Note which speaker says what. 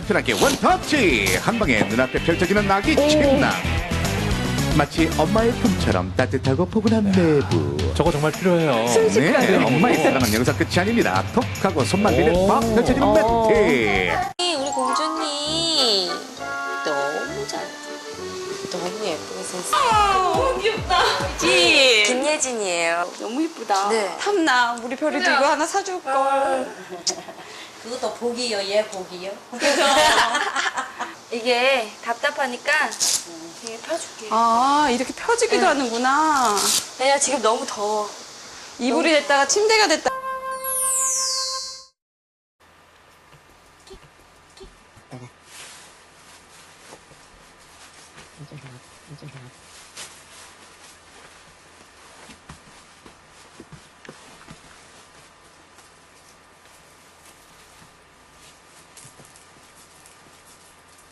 Speaker 1: 간편하게 원터치 한 방에 눈앞에 펼쳐지는 아기 침낭. 마치 엄마의 품처럼 따뜻하고 포근한 내부.
Speaker 2: 저거 정말 필요해요.
Speaker 1: 네, 엄마의 사랑은 여기서 끝이 아닙니다. 톡 하고 손만 대면 막 펼쳐지는 매트.
Speaker 3: 우리 공주님 너무 잘, 너무 예쁘게 생겼어.
Speaker 4: 너무 귀엽다.
Speaker 3: 그치? 김예진이에요.
Speaker 4: 너무 이쁘다.
Speaker 3: 네.
Speaker 4: 탐나. 우리 별이도 이거 하나 사줄 걸.
Speaker 5: 그것도 복이요, 얘 복이요.
Speaker 3: 이게 답답하니까 이게 펴줄게.
Speaker 4: 아, 이렇게 펴지기도 하는구나.
Speaker 3: 왜냐 지금 너무 더워.
Speaker 4: 이불이 됐다가 침대가 됐다.